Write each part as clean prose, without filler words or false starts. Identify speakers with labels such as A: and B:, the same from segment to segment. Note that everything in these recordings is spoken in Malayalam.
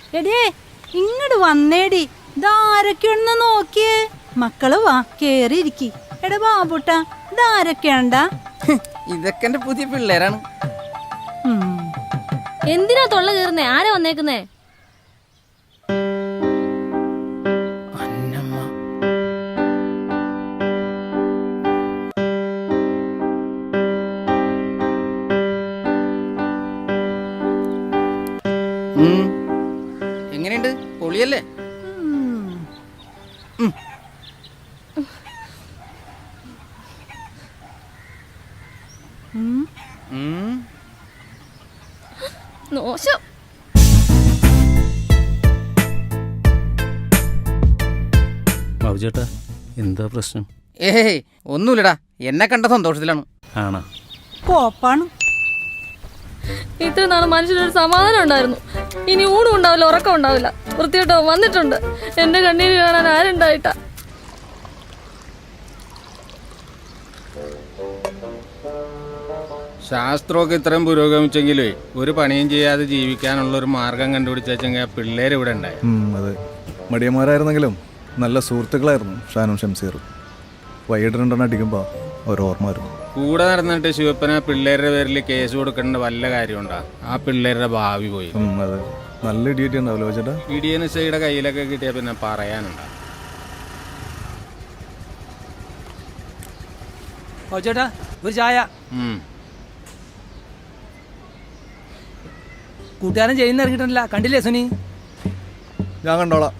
A: എടിയേ ഇങ്ങോട്ട് വന്നേടി, ഇതാരൊക്കെയാണെന്ന് നോക്കിയേ. മക്കള് വാ, കേറിയിരിക്കി. എടാ ബാബുട്ടാ, ഇതാരൊക്കെയാണ്ടാ?
B: ഇതൊക്കെ എന്റെ പുതിയ പിള്ളേരാണ്.
C: എന്തിനാ തൊള്ള കീറുന്നേ? ആരാ വന്നേക്കുന്നേ?
B: എങ്ങനെയുണ്ട്? പൊളിയല്ലേ?
C: മോശം.
D: ബാബുചേട്ടാ, എന്താ പ്രശ്നം?
B: ഏയ് ഒന്നുമില്ലടാ, എന്നെ കണ്ട സന്തോഷത്തിലാണ്.
D: ആണോ?
A: കോപ്പാണ്.
C: ഇത്ര നാള് മനുഷ്യനൊരു സമാധാനം ഉണ്ടായിരുന്നു. ഇനി ഊണും ഉണ്ടാവില്ല, ഉറക്കം ഉണ്ടാവില്ല. വൃത്തിയോട്ടോ വന്നിട്ടുണ്ട്. എന്റെ കണ്ണീര് കാണാൻ ആരുണ്ടായിട്ടാ?
E: ശാസ്ത്രമൊക്കെ ഇത്രയും പുരോഗമിച്ചെങ്കിലേ ഒരു പണിയും ചെയ്യാതെ ജീവിക്കാനുള്ള ഒരു മാർഗം കണ്ടുപിടിച്ചെങ്കിൽ പിള്ളേർ ഇവിടെ ഉണ്ടായി.
F: അതെ, മടിയന്മാരായിരുന്നെങ്കിലും നല്ല സുഹൃത്തുക്കളായിരുന്നു ഷാനും ഷംസീറും. വൈകിട്ട് രണ്ടെണ്ണം അടിക്കുമ്പോൾ ഓരോർമ്മ വരും.
E: കൂടെ നടന്നിട്ട് ശിവപ്പന പിള്ളേരുടെ പേരിൽ കേസ് കൊടുക്കേണ്ട വല്ല കാര്യമുണ്ടാ? ആ പിള്ളേരുടെ ഭാവി പോയി.
F: അതെ, നല്ല ഇടിയറ്റി ഉണ്ടാവല്ലോ ചേട്ടാ.
E: ഇടിയനുസയുടെ കയ്യിലൊക്കെ കിട്ടിയാൽ പിന്നെ പറയാനുണ്ടാ.
G: ചേട്ടാ ഒരു ചായ. കൂട്ടുകാരൻ ചെയ്യുന്ന ഇറങ്ങിയിട്ടില്ല, കണ്ടില്ലേ സുനി?
F: ഞാൻ കണ്ടോളാം.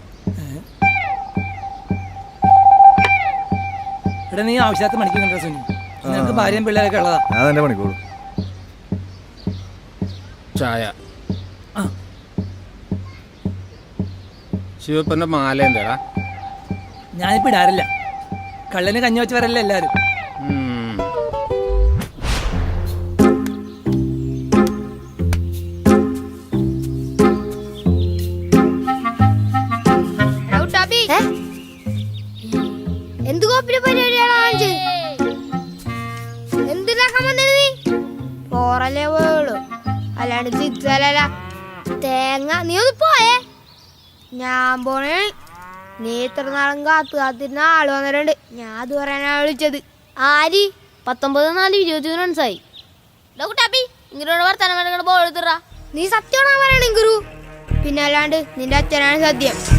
G: ഇവിടെ നീ ആവശ്യത്തെ മണിക്ക് കണ്ട സുനി. നിനക്ക് ഭാര്യയും പിള്ളേരൊക്കെ ഉള്ളതാ.
F: ഞാൻ തന്നെ പണിക്കോളൂ.
E: ചായ. ശിവപ്പന്റെ മാല എന്താടാ?
G: ഞാനിപ്പോ ഇടാറില്ല. കള്ളന് കഞ്ഞി വെച്ച് വരല്ലേ എല്ലാരും.
H: അല്ലാണ്ട് ചിത്തല തേങ്ങ. നീ ഒന്ന് പോയേ, ഞാൻ പോണേ. നീ ഇത്ര നാളും കാത്തിരുന്ന ആള് വന്നിട്ടുണ്ട്. ഞാൻ അത് പറയാനാ വിളിച്ചത്.
C: ആരി 19-4-23 റൺസായി. ഇങ്ങനെ വർത്തമാനം
H: നീ സത്യമാണോ പറയണേ ഗുരു? പിന്നെ അല്ലാണ്ട് നിന്റെ അച്ഛനാണ് സത്യം.